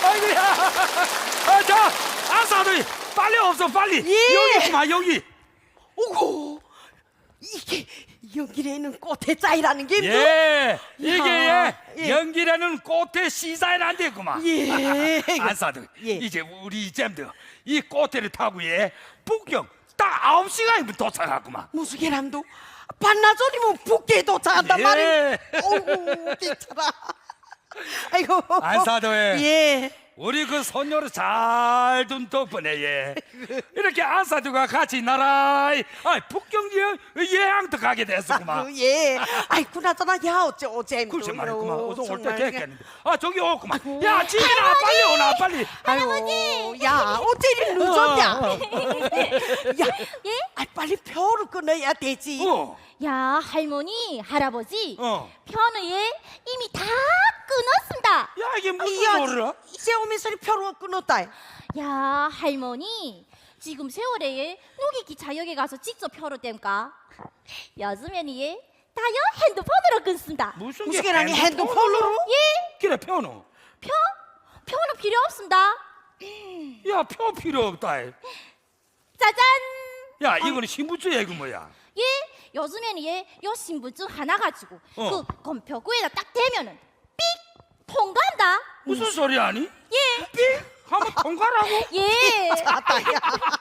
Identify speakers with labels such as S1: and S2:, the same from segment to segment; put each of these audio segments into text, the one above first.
S1: 아이고야. 자, 안사들이 빨리 없어 빨리.
S2: 예.
S1: 여기 있구만 여기.
S2: 오고 이게 여기에는 꽃의 짜이라는 게
S1: 예, 이게
S2: 야, 예.
S1: 연기라는 꽃의 시사에는 되구만.
S2: 예.
S1: 안사들
S2: 예.
S1: 이제 우리 잼들 이 꽃대를 타고 북경 딱 9시간이면 도착하구만.
S2: 무슨 개람도 반나절이면 북계에 도착한단
S1: 예.
S2: 말이야. 어우 괜찮아. 아이고
S1: 안사도에
S2: 예.
S1: 우리 그 손녀를 잘 둔 덕분에 이렇게 안사들과 같이 나라에 북경 여행도 가게 됐었구만.
S2: 예. 아이 그나저나 야 어째
S1: 글쎄 말이구만. 어서 올 때
S2: 정말.
S1: 됐겠는데. 저기 오구만. 야 집이나 빨리 오나 빨리.
S2: 아유, 야 어째 이리 늦었냐? 야,
S3: 예?
S2: 아 빨리 표를 끊어야 되지.
S3: 야 할머니 할아버지
S1: 야
S3: 편의에 이미 다 끊었습니다.
S1: 이게 무슨
S2: 야,
S1: 소리야?
S2: 이제 오면서 표를 끊었다.
S3: 야 할머니 지금 세월에 누기 기차역에 가서 직접 표를 뗍니까? 요즘에는 다요 핸드폰으로 끊습니다.
S1: 무슨
S2: 무슨 개라니 핸드폰으로?
S3: 예?
S1: 그래 표는.
S3: 표는 필요 없습니다.
S1: 야 표 필요 없다.
S3: 짜잔.
S1: 야 이거는 신분증 얘기 뭐야?
S3: 예? 요즘에는 요 신분증 하나 가지고 그 검표구에다 딱 대면은 삑 통과한다.
S1: 무슨 소리 아니?
S3: 예.
S1: 삑 한번 통과라고?
S3: 예.
S2: 아따 야.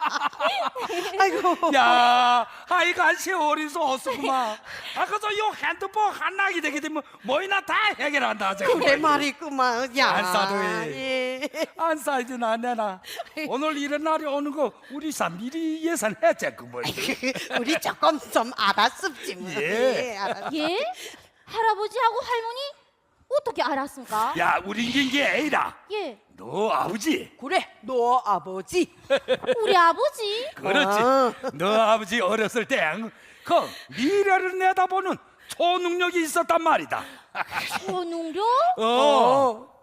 S2: 아이고.
S1: 야, 하여간 세월이 없었구만. 그래서 요 핸드폰 한락이 되게 되면 뭐이나 다 해결한다.
S2: 그래 말이구만. 야.
S1: 안 싸도
S2: 예.
S1: 안 싸이든 안 내나. 오늘 이런 날이 오는 거 우리 미리 예산했지 그 뭐지?
S2: 우리 조금 좀 알았습지 뭐.
S1: 예.
S2: 알았.
S3: 예? 할아버지하고 할머니 어떻게 알았습니까?
S1: 야, 우리 게 애라.
S3: 예.
S1: 너 아버지.
S2: 그래, 너 아버지.
S3: 우리 아버지?
S1: 그렇지. 너 아버지 어렸을 때 그 미래를 내다보는 초능력이 있었단 말이다.
S3: 초능력?
S2: 어.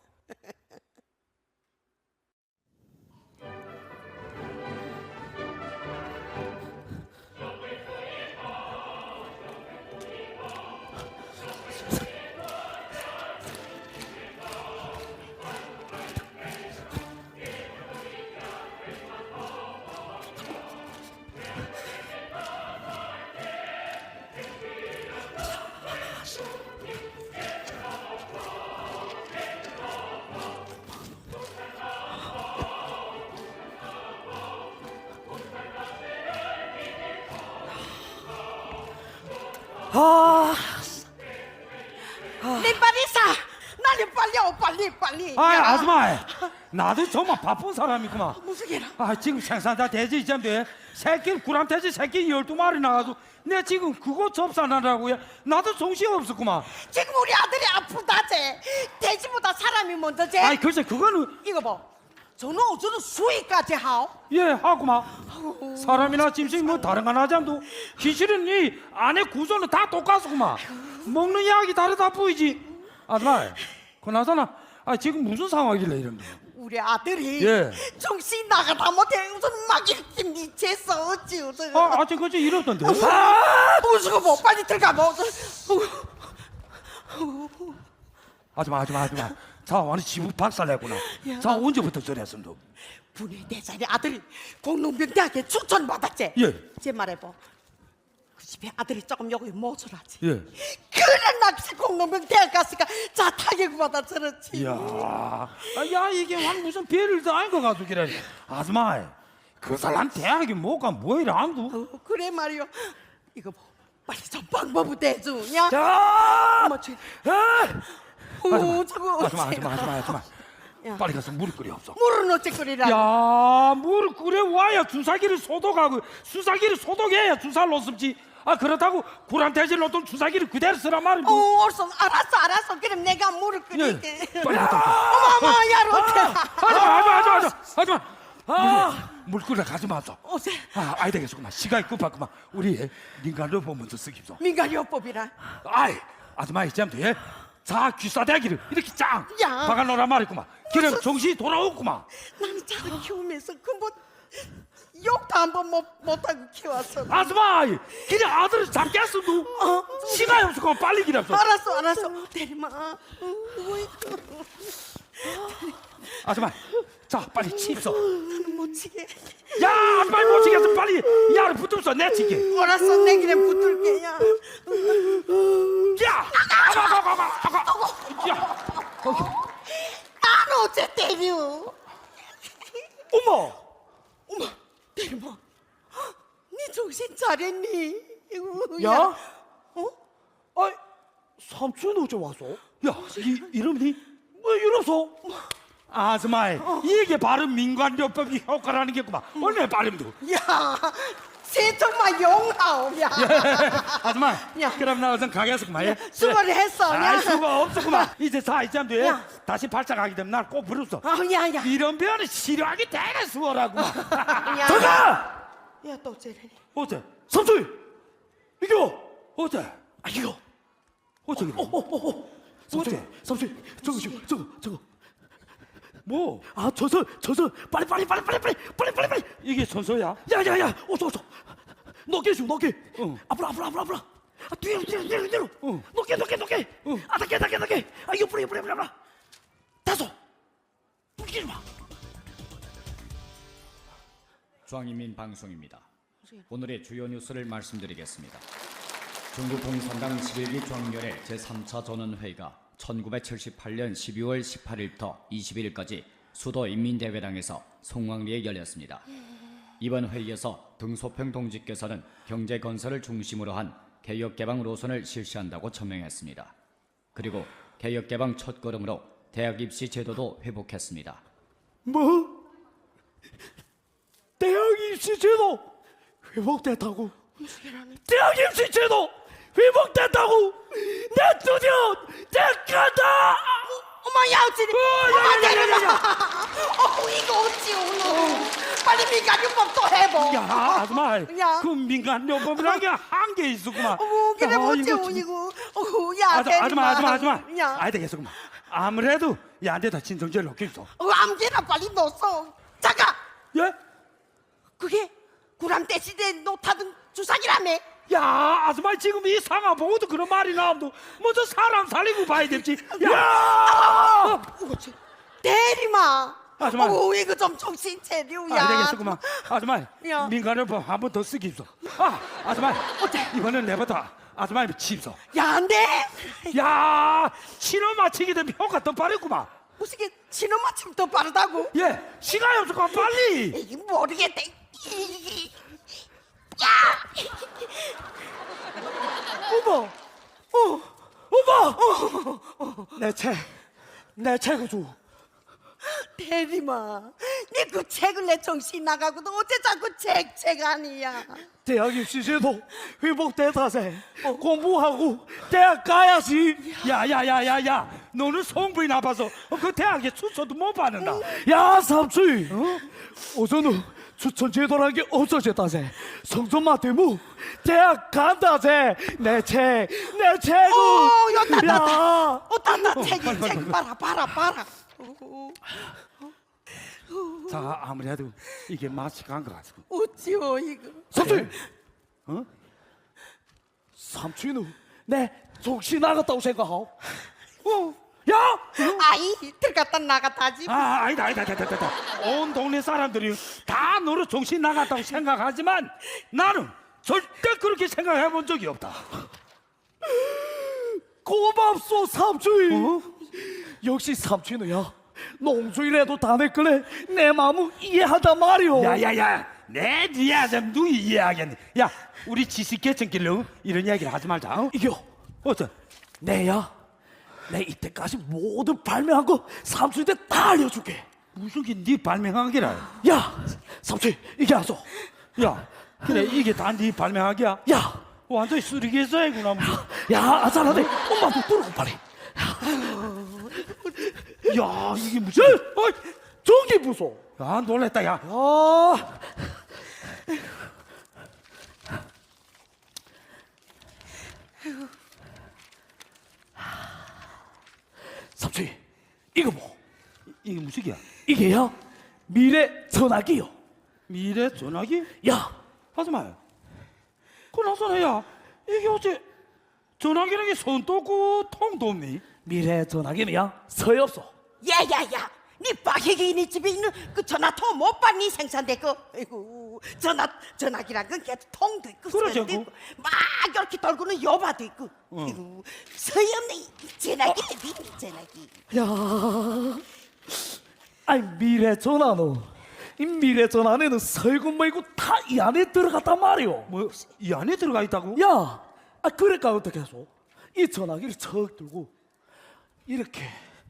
S2: 내 빨리 사. 나를 빨리 오 빨리. 야.
S1: 아줌마. 나도 정말 바쁜 사람이구만.
S2: 무슨 개라?
S1: 지금 생산자 돼지 이쯤에 새끼 구람 돼지 새끼 12마리 나가서 내 지금 그거 접산하라고요. 나도 정신이 없었구만.
S2: 지금 우리 아들이 아프다제. 돼지보다 사람이 먼저제.
S1: 글쎄 그거는
S2: 이거 봐. 저는 어쩌는 수위까지 하오.
S1: 예 하구만. 사람이나 짐승 뭐 다른 건 하지 않도 기실은 이 안에 구조는 다 똑같구만. 먹는 약이 다르다 보이지. 아줌마 그나저나 지금 무슨 상황이길래 이런 거?
S2: 우리 아들이
S1: 예.
S2: 정신 나가다 못해 우선 막 이렇게 미쳤어 어찌 우선.
S1: 아직 그저 이렇던데.
S2: 무슨 거 뭐 빨리 들어가 뭐.
S1: 아줌마. 자 완전 지부 박살냈구나. 자 언제부터 저랬음 너?
S2: 분의 네 살의 아들이 공농병대학에 추천받았지.
S1: 예.
S2: 제 말해봐. 그 집에 아들이 조금 여기 모자라지.
S1: 예.
S2: 그래 낚시 공농병대학 갔으니까 자 타격 받아 저렇지.
S1: 이야, 야 이게 완 무슨 별을 다 아닌 것 같소 그래. 아줌마, 그 사람 대학에 뭐가 뭐이라 안도?
S2: 그래 말이요. 이거 뭐 빨리 좀 방법을 대주냐?
S1: 자,
S2: 엄마 쟤. 저거
S1: 아줌마,
S2: 야.
S1: 빨리 가서 물을 끓여 없어.
S2: 물은 어째 끓이라.
S1: 야, 물을 끓여 와야 주사기를 소독하고 수사기를 소독해야 주사를 놓습지. 그렇다고 구란 돼지를 놓던 주사기를 그대로 쓰란 말이야.
S2: 옳소. 알았어. 그럼 내가 물을 끓일게.
S1: 빨리 갔다.
S2: 어머, 야, 롯데.
S1: 하지마. 물 끓여 가지 마소.
S2: 어제
S1: 아이 되겠구만. 시간이 급하구만. 우리 민간요법 먼저 쓰기소.
S2: 민간요법이라.
S1: 아줌마 이쯤 돼. 자 귀싸대기를 이렇게 짱
S2: 야.
S1: 박아놓으란 말이구만. 그럼 정신이 돌아오구만.
S2: 나는 자를 키우면서 뭐 욕도 한번 못하고 키웠어.
S1: 아줌마 그냥 아들을 잡겠어 너. 시간이 없어. 빨리 기다려.
S2: 알았어. 내리마.
S1: 아줌마, 자 빨리 칩소.
S2: 못 치게.
S1: 야, 아줌마 못 치겠어. 빨리 야를 붙들어 내치게.
S2: 알았어, 내 길에 붙을게. 야.
S1: 야, 야,
S2: 난 어째 때려?
S1: 어머,
S2: 대박. 네 정신 차렸니? 이거,
S4: 야?
S2: 어?
S4: 아이, 삼촌 어제 왔어?
S1: 야, 이름이 뭐 이러소? 아줌마, 이게 바로 민관요법이 효과라는 게구만. 얼마나 빠름도.
S2: 야, 세통만 용하오. 야,
S1: 아줌마,
S2: 야.
S1: 그럼 나 우선 가게에서 그만. 예?
S2: 수고를 했어.
S1: 아,
S2: 야.
S1: 수고 없었구만. 이제 4일쯤 뒤에
S2: 야.
S1: 다시 발작하게 되면 날 꼭 부르소.
S2: 야, 야.
S1: 이런 병은 치료하기 되게 수월하구만.
S2: 야.
S4: 잠깐!
S2: 야, 또 쟤래.
S1: 어째?
S4: 삼촌! 이거!
S1: 어째?
S4: 아, 이거!
S1: 어째 그래?
S4: 삼촌, 저거.
S1: 뭐?
S4: 아, 저서, 빨리.
S1: 이게 선서야?
S4: 야, 어서. 높게.
S1: 응.
S4: 앞으로. 아, 뒤로.
S1: 응.
S4: 높게.
S1: 응.
S4: 아, 낮게. 아, 옆으로. 다소. 웃기지 마.
S5: 중앙인민 방송입니다. 오늘의 주요 뉴스를 말씀드리겠습니다. 중국 공산당 11기 중앙위원회 제3차 전원회의가 1978년 12월 18일부터 21일까지 수도 인민대회당에서 송왕리에 열렸습니다. 이번 회의에서 등소평 동지께서는 경제 건설을 중심으로 한 개혁개방 노선을 실시한다고 천명했습니다. 그리고 개혁개방 첫걸음으로 대학 입시 제도도 회복했습니다.
S4: 뭐? 대학 입시 제도 회복됐다고? 대학 입시 제도 회복됐다고? 내 드디어 간다!
S2: 어머, 야, 어찌. 이거 어찌 오늘. 빨리 민간요법 또 해보.
S1: 야, 아줌마.
S2: 야.
S1: 그 민간요법이라는 게 한계 있었구만.
S2: 어머, 그래,
S1: 야,
S2: 어찌
S1: 이거
S2: 오니고. 야,
S1: 아줌마.
S2: 야.
S1: 아이 되겠어구만. 아무래도 야한테다 진정제를 넣겠어.
S2: 암기나 빨리 넣었어. 잠깐.
S1: 예?
S2: 그게 구람대 시대에 놓다던 주사기라며.
S1: 야, 아줌마 지금 이 상황 보고도 그런 말이 나오면 먼저 사람 살리고 봐야 될지. 야!
S2: 어찌 대리마.
S1: 아줌마.
S2: 이거 좀 정신 차려.
S1: 아,
S2: 야.
S1: 되겠어구만. 아줌마,
S2: 야.
S1: 민간요법 한 번 더 쓰기입소. 아줌마, 이번엔 내부터 아줌마 칩소.
S2: 야, 안 돼.
S1: 야, 치료 마치게 되면 효과 더 빠르구만.
S2: 무슨 게 신호 맞춤 더 빠르다고?
S1: 예, 시간이 없을까 빨리.
S2: 이 모르겠대.
S4: 어머! 내 책을 줘.
S2: 대리마, 네 그 책을 내 정신 나가고도 어째 자꾸 책 아니야.
S4: 대학 입시 제도 회복됐다세. 공부하고 대학 가야지.
S1: 야, 너는 성분이 나빠서 그 대학에 추천도 못 받는다.
S4: 야, 삼촌. 우선은 추천 제도라는 게 없어졌다세. 성적만 되면 대학 간다세. 내 책.
S2: 야,
S4: 야.
S2: 따 책
S1: 빨리.
S2: 봐라.
S1: 자, 아무래도 이게 맛이 간 것 같고.
S2: 어찌요 이거?
S4: 삼촌. 삼촌은 내 정신 나갔다고 생각하오. 야.
S2: 아이 들어갔다 나갔다 하지.
S1: 아니다. 온 동네 사람들이 다 너로 정신 나갔다고 생각하지만 나는 절대 그렇게 생각해 본 적이 없다.
S4: 고맙소 삼촌. 역시 삼촌이야. 농주이라도 다 내걸래 내 마음을 이해한단 말이오.
S1: 야야야, 내 니야 좀 누이 이해하겠네. 야, 우리 지식계층끼리 이런 이야기를 하지 말자. 어?
S4: 이겨.
S1: 어째?
S4: 내야. 내 이때까지 모든 발명한 거 삼촌한테 다 알려줄게.
S1: 무슨 게 네 발명한 게라?
S4: 야, 삼촌 이게 알았어.
S1: 야, 그래 이게 다 네 발명하기야?
S4: 야,
S1: 완전히 쓰레기에서이구나.
S4: 야, 아잘하네. 엄마도 들어고 빨리.
S1: 야, 이게 무슨?
S4: 저기 무서.
S1: 야, 놀랬다 야.
S4: 삼촌 이거 뭐?
S1: 이게 무슨 게야?
S4: 이게야 미래 전화기요.
S1: 미래 전화기?
S4: 야,
S1: 하지마. 그나저나야, 이게 어째 전화기라는 게 손도 없고 통도 없니?
S4: 미래 전화기는야 서요 없어.
S2: 야야야, 네 박혜기네 집에 있는 그 전화통 못 봤니 생산되고 아이고 전화기란 건 걔 통도 있고
S1: 그러죠,
S2: 선도 있고 막 이렇게 돌고는 여바도 있고 아이고 서염네 전화기 전화기
S4: 야, 아니 미래 전화는 이 미래 전화에는 설국 말고 다 이 안에 들어갔단 말이오.
S1: 뭐 이 안에 들어가 있다고?
S4: 야, 그러니까 어떻게 해서 이 전화기를 척 들고 이렇게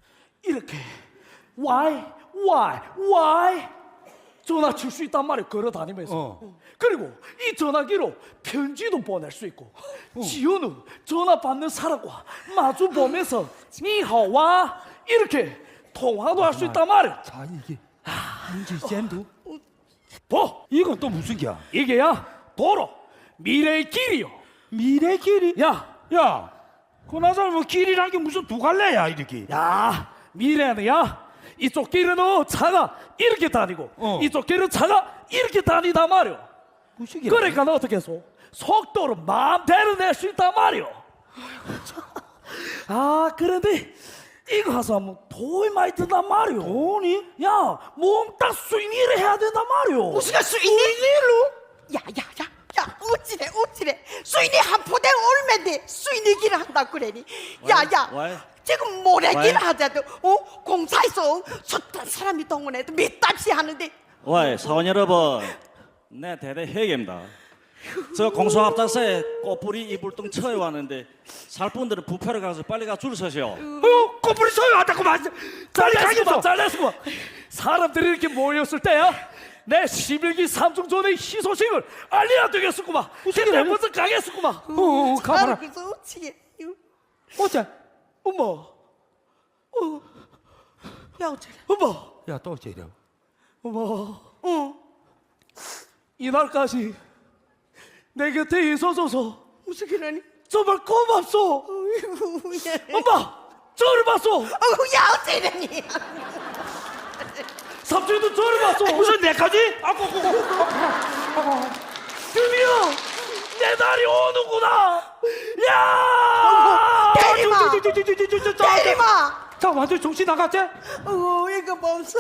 S4: why 전화 칠 수 있단 말이야. 걸어 다니면서. 그리고 이 전화기로 편지도 보낼 수 있고 지효는 전화 받는 사람과 마주 보면서 니하와 이렇게 통화도 할 수 있단 말이야.
S1: 자 이게 문제 쌤도
S4: 보,
S1: 이건 또 무슨 기야?
S4: 이게야 도로 미래의 길이요.
S1: 미래 길이?
S4: 야,
S1: 그나저나 뭐 길이란 게 무슨 두 갈래야 이렇게?
S4: 야, 미래는 이쪽 길은 차가 이렇게 다니고 이쪽 길은 차가 이렇게 다니다 말이오.
S1: 무슨 기야?
S4: 그러니까 너 어떻게 해서 속도를 마음대로 낼 수 있단 말이오. 그런데 이거 하서 하면 돈이 많이 든단 말이오.
S1: 돈이?
S4: 야, 몽땅 수인일을 해야 된단 말이오.
S2: 무슨 수인일로? 야야야 어찌래 수인이 한 포대 얼마인데 수인이기를 한다고 그래니 야야
S6: 왜?
S2: 지금 모래기를
S6: 왜?
S2: 하자도 공사에서 숱한 사람이 동원해도 몇 달씩 하는데
S6: 와, 사원 여러분, 내 대대 회계입니다. 저 공소합작사에 꽃뿌리 이불등 처해 왔는데 살 분들은 부페로 가서 빨리 가 줄 서시오.
S1: 꼬부리 소유 왔다고 말. 빨리 가겠어.
S4: 잘렸구만. 사람들이 이렇게 모였을 때야 내 11기 삼중전의 희소식을 알려야 되겠었구만. 그때 먼저 가겠었구만.
S1: 가봐라.
S2: 그래서 어찌게
S1: 어째?
S4: 엄마,
S2: 야 어쩌래
S4: 엄마,
S1: 야 또 어째려?
S4: 엄마. 이날까지 내 곁에 있어줘서
S2: 무슨 기라니
S4: 정말 고맙소.
S2: 어이구 야
S4: 엄마, 저를 봤소.
S2: 야 어쩌려니
S4: 삼촌도 저를 봤소.
S1: 무슨 내까지?
S4: 드디어 내 날이 오는구나. 야!
S2: 대리마 대리마
S1: 자 완전 정신 나갔지?
S2: 이거 멈춰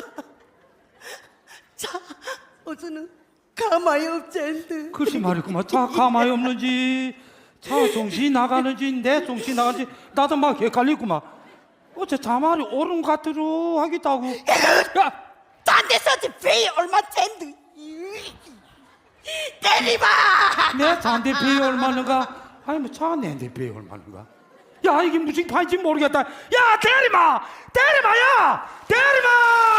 S2: 자 어제는 가만히 없젠데
S1: 글쎄 말이구만. 차 가만히 없는지 차 정신 나가는지 내 정신 나가는지 나도 막 헷갈리구만. 어째 자말이 옳은 것 같으로 하겠다고. 야
S2: 딴 데서 배 얼마 젠데 대리마
S1: 내 잔대 배에 얼마는가? 아니 뭐 차가 내한테 배에 얼마는가? 야 이게 무슨 판인지 모르겠다. 야 대리마! 야! 대리마!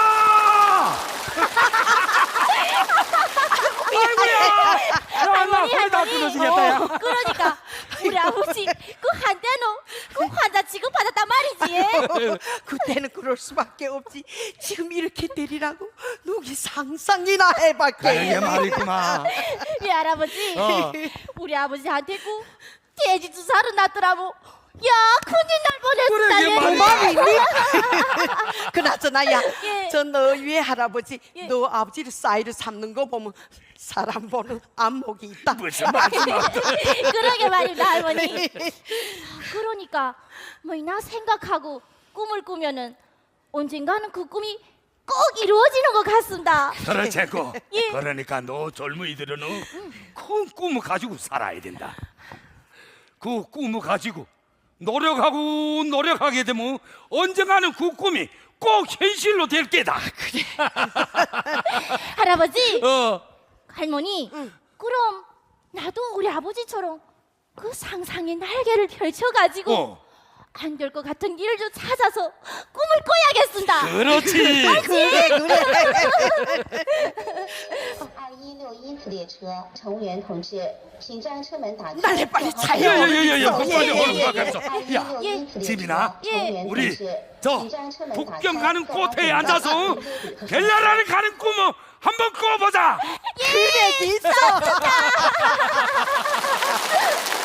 S1: 아이고야! 야나 거의 다 끊어지겠다 야.
S3: 그러니까 우리 아버지 그 한때는 그 환자 취급받았단 말이지.
S2: 그때는 그럴 수밖에 없지 지금 이렇게 때리라고 누기 상상이나 해봤게
S1: 이게 말이구만.
S3: 우리 할아버지 우리 아버지한테 그 돼지 주사를 놨더라고. 야 큰일 날 뻔했다.
S1: 그래, 이게
S2: 그나저나
S3: 예.
S2: 야저 너 위에 할아버지
S3: 예.
S2: 너 아버지를 싸이를 삼는 거 보면 사람 보는 안목이 있다
S3: 그러게 말입니다 할머니. 그러니까 뭐 나 생각하고 꿈을 꾸면은 언젠가는 그 꿈이 꼭 이루어지는 것 같습니다.
S7: 그렇지고
S3: 예.
S7: 그러니까 너 젊은이들은 큰 꿈을 가지고 살아야 된다. 그 꿈을 가지고 노력하게 되면 언젠가는 그 꿈이 꼭 현실로 될 게다. 그래.
S3: 할아버지 할머니 그럼 나도 우리 아버지처럼 그 상상의 날개를 펼쳐가지고 안 될 것 같은 일을 좀 찾아서 꿈을 꿔야겠습니다.
S7: 그렇지.
S2: 그래
S8: 2161因次列车，乘务员同志，请将车门打开。
S2: 빨리 빨리 차요
S7: 야야야야, 빨리
S2: 예.
S7: 얼른 가자. 야,
S8: 2161因次列
S7: 지민아,
S8: 车，乘务员同
S7: 우리
S8: 志，
S7: 저
S8: 请将车门打开。
S7: 북경 가는 코트에 앉아서 갤라라를 가는 꿈을 한번 꿔보자.
S2: 그래 있어